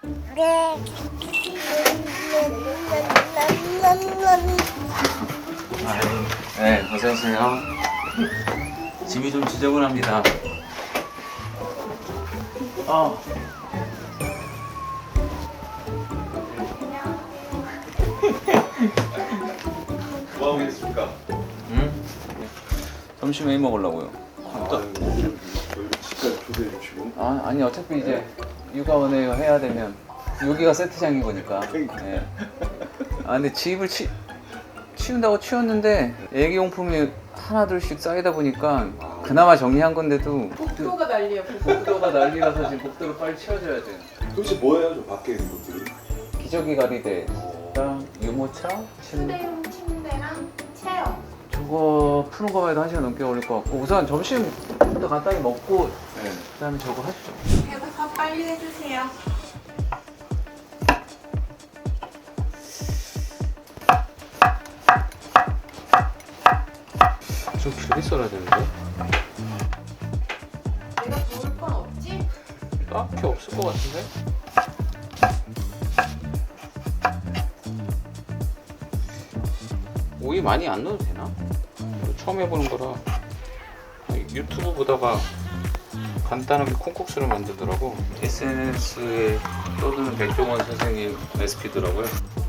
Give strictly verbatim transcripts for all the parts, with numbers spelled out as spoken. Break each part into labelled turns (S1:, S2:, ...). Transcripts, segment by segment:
S1: 아유, 네, 어서오세요. 집이 좀 지저분합니다. 어.
S2: 뭐 하고 계십니까?
S1: 응? 점심에 먹으려고요.
S2: 아, 저희 집까지 초대해 주시고.
S1: 아, 아니 어차피 이제 육아원에 해야 되면 여기가 세트장인 거니까. 예. 아 근데 집을 치, 치운다고 치웠는데 애기용품이 하나 둘씩 쌓이다 보니까 그나마 정리한 건데도
S3: 복도가 난리야.
S1: 복도가 난리라서 지금 복도를 빨리 치워줘야 돼요.
S2: 도대체 뭐예요, 저 밖에 있는 것들이?
S1: 기저귀 가리대랑 유모차, 침대.
S3: 침대용 침대랑 체어.
S1: 저거 푸는 거만 해도 한 시간 넘게 걸릴 것 같고 우선 점심부터 간단히 먹고
S2: 네.
S1: 그다음에 저거 하시죠.
S3: 해서 빨리 해주세요.
S1: 좀 길게 썰어야 되는데?
S3: 내가 도울 건 없지?
S1: 딱히 없을 것 같은데? 오이 많이 안 넣어도 되나? 이거 처음 해보는 거라 유튜브 보다가 간단하게 콩국수를 만들더라고. 에스엔에스에 떠드는 백종원 선생님 레시피더라고요.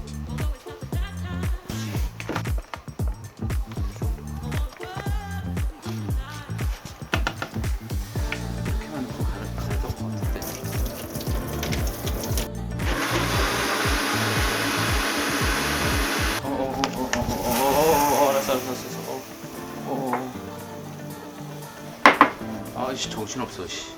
S1: 이렇게만 넣고 가능할 것 같은데. 어어어어어어어어 알았어 알았어 알았어. 어어. 아이씨 정신없어 씨.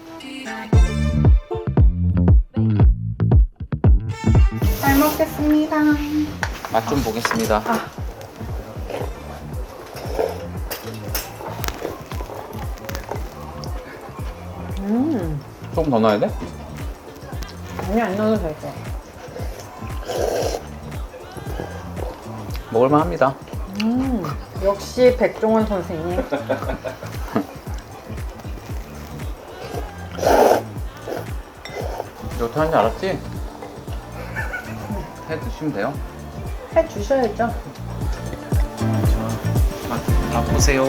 S3: 잘 먹겠습니다.
S1: 맛 좀 보겠습니다.
S3: 아. 음,
S1: 조금 더 넣어야 돼?
S3: 아니 안 넣어도 될 거.
S1: 먹을만 합니다.
S3: 음, 역시 백종원 선생님.
S1: 이렇게 하는 줄 알았지? 해 드시면 돼요.
S3: 해 주셔야죠.
S1: 맛, 맛보세요.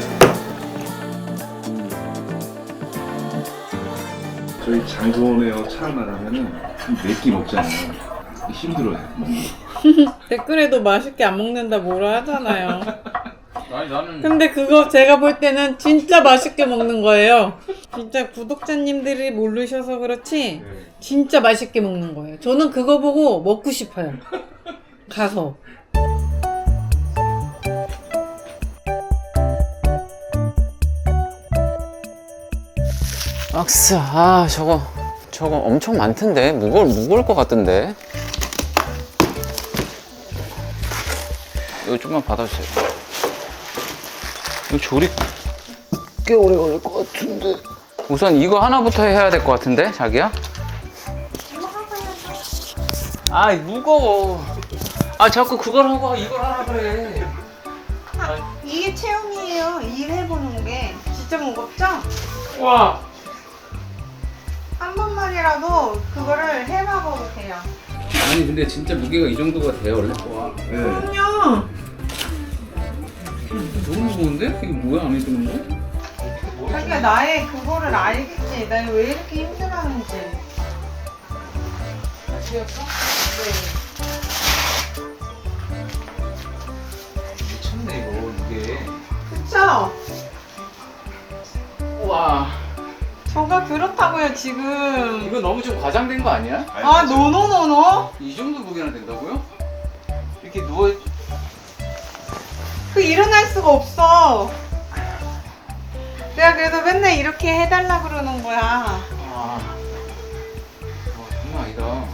S2: 저희 장소네요 차만 하면은 내끼 먹잖아요. 힘들어요. 먹는 거.
S3: 댓글에도 맛있게 안 먹는다 뭐라 하잖아요.
S1: 아니 나는
S3: 근데 그거 제가 볼 때는 진짜 맛있게 먹는 거예요. 진짜 구독자님들이 모르셔서 그렇지 진짜 맛있게 먹는 거예요. 저는 그거 보고 먹고 싶어요. 가서.
S1: 악스 아 저거 저거 엄청 많던데 무거울 무거울 것 같던데. 이거 좀만 받아주세요. 이거 조립 꽤 오래 걸릴 것 같은데. 우선 이거 하나부터 해야 될 것 같은데 자기야? 아이 무거워. 아 자꾸 그걸 하고 이걸 하라 그래.
S3: 아, 이게 체험이에요. 일해보는 게 진짜 무겁죠?
S1: 와.
S3: 한 번만이라도 그거를 해봐봐도 돼요.
S1: 아니 근데 진짜 무게가 이 정도가 돼요 원래? 와.
S2: 네.
S3: 그럼요.
S1: 너무 무거운데? 이게 뭐야 안에 드는 거?
S3: 자기가 나의 그거를 알겠지. 나 왜 이렇게 힘들어하는지.
S1: 미쳤네 이거 이게.
S3: 그쵸?
S1: 우와.
S3: 저가 그렇다고요 지금.
S1: 이거 너무 좀 과장된 거 아니야?
S3: 아 노노노노?
S1: 이 정도 무게나 된다고요? 이렇게 누워 있...
S3: 그 일어날 수가 없어. 내가 그래서 맨날 이렇게 해달라 그러는 거야.
S1: 아. 와 장난 아니다.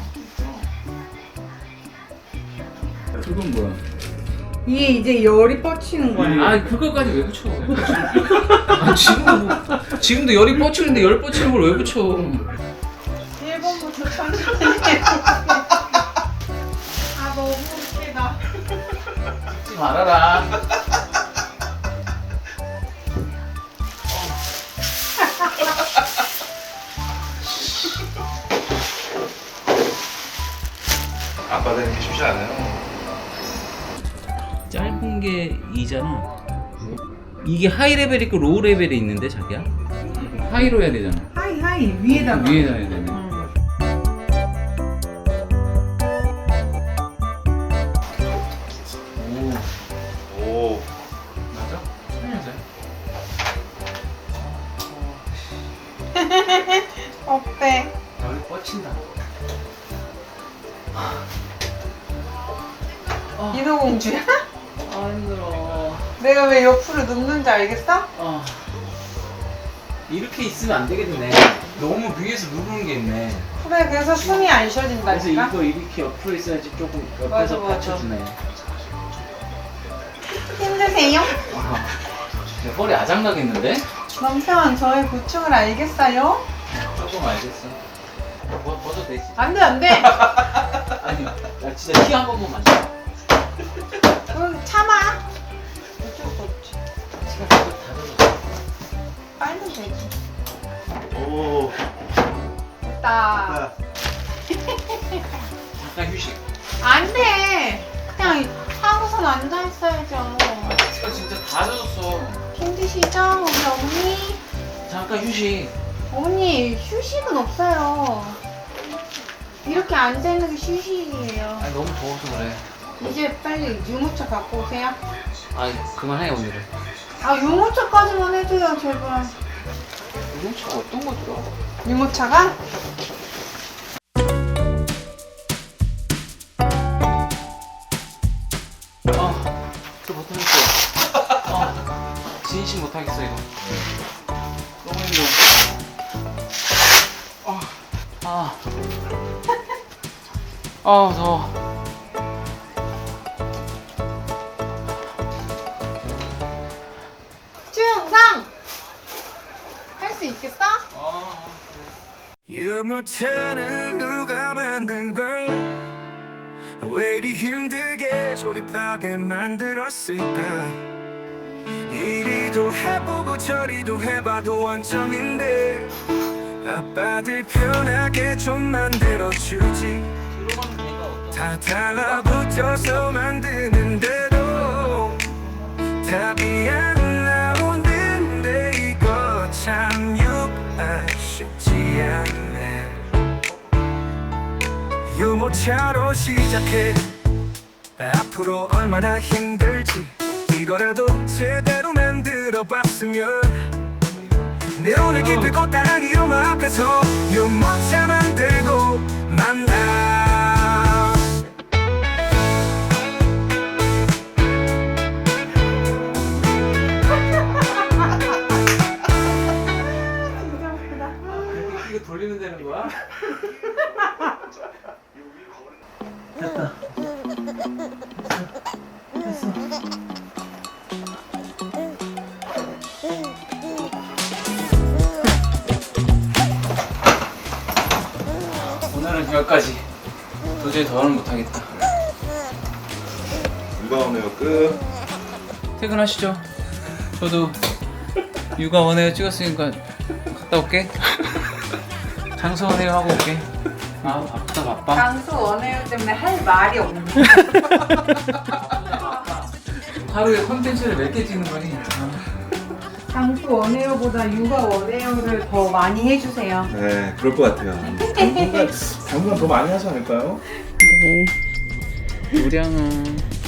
S1: 그건 뭐야?
S3: 이게 이제 열이 뻗치는 거야.
S1: 아 그거까지 왜 붙여? 아 지금도 뭐, 지금도 열이 뻗치는데 열 뻗치는 걸 왜 붙여?
S3: 일 번부터 천천히 해. 아 너무 웃기다.
S1: 하지 말아라.
S2: 아빠 되는 게 쉽지 않아요.
S1: 짧은 게 이잖아. 이게 하이 레벨 있고 로우 레벨이 있는데 자기야? 하이로 해야 되잖아.
S3: 하이 하이 위에다가.
S1: 위에다 해야 되네. 오,
S2: 오.
S1: 맞아?
S3: 어때?
S1: 여기 뻗친다.
S3: 인어공주야?
S1: 아 힘들어.
S3: 내가 왜 옆으로 눕는지 알겠어?
S1: 아 이렇게 있으면 안 되겠네. 너무 위에서 누르는 게 있네.
S3: 그래 그래서 숨이 안
S1: 그래서
S3: 쉬어진다니까.
S1: 이거 이렇게 옆으로 있어야지 조금
S3: 맞아,
S1: 옆에서
S3: 맞아.
S1: 받쳐주네.
S3: 힘드세요?
S1: 아, 내 허리 아작나겠는데?
S3: 남편 저의 고충을 알겠어요?
S1: 조금 알겠어. 뭐, 벗어도 되지.
S3: 안돼 안돼.
S1: 아니 나 진짜 티 한 번만 마셔.
S3: 그럼 참아. 어쩔 수 없지.
S1: 지금 다 젖었어.
S3: 빨면 되지.
S2: 오.
S3: 됐다.
S1: 잠깐 휴식.
S3: 안돼. 그냥 하고선 앉아 있어야죠.
S1: 지금 진짜 다 젖었어.
S3: 힘드시죠 우리 어머니?
S1: 잠깐 휴식.
S3: 어머니 휴식은 없어요. 이렇게 앉아 있는 게 휴식이에요.
S1: 아니 너무 더워서 그래.
S3: 이제 빨리 유모차 갖고 오세요.
S1: 아니 그만해 오늘은.
S3: 아 유모차까지만 해줘요 제발.
S1: 유모차 어떤 거 들어?
S3: 유모차가?
S1: 아, 저 못하겠어. 아, 진심 못하겠어 이거. 너무 힘들어. 아, 아, 아 더워.
S3: 주영상 할 수 있겠어?
S4: 유모차는 누가 만든 걸? 왜 이리 힘들게 조립하게 만들었을까? 이리도 해보고 저리도 해봐도 원점인데 아빠들 편하게 좀 만들어주지. 다 달라붙어서 만드는데도 답이 안 나오는데 이거 참 육아 쉽지 않네. 유모차로 시작해 앞으로 얼마나 힘들지 이거라도 제대로 만들어 봤으면 내 오늘 기쁘고 따랑이 엄마 앞에서 유모차 만들고 만나.
S1: 이거 돌리면 되는 거야? 오늘은 여기까지. 도저히 더는 못하겠다.
S2: 누가 오네요 끝.
S1: 퇴근하시죠. 저도 육아 원해요 찍었으니까 갔다 올게. 장수 원해요 하고 올게. 아 바쁘다 바빠.
S3: 장수 원해요 때문에 할 말이 없는
S1: 하루에 콘텐츠를 몇 개 찍는 거니? 아.
S3: 장수 원해요보다 육아 원해요를 더 많이 해주세요.
S2: 네, 그럴 것 같아요. 당분간 당분간 더 많이 하지 않을까요?
S1: 우량아.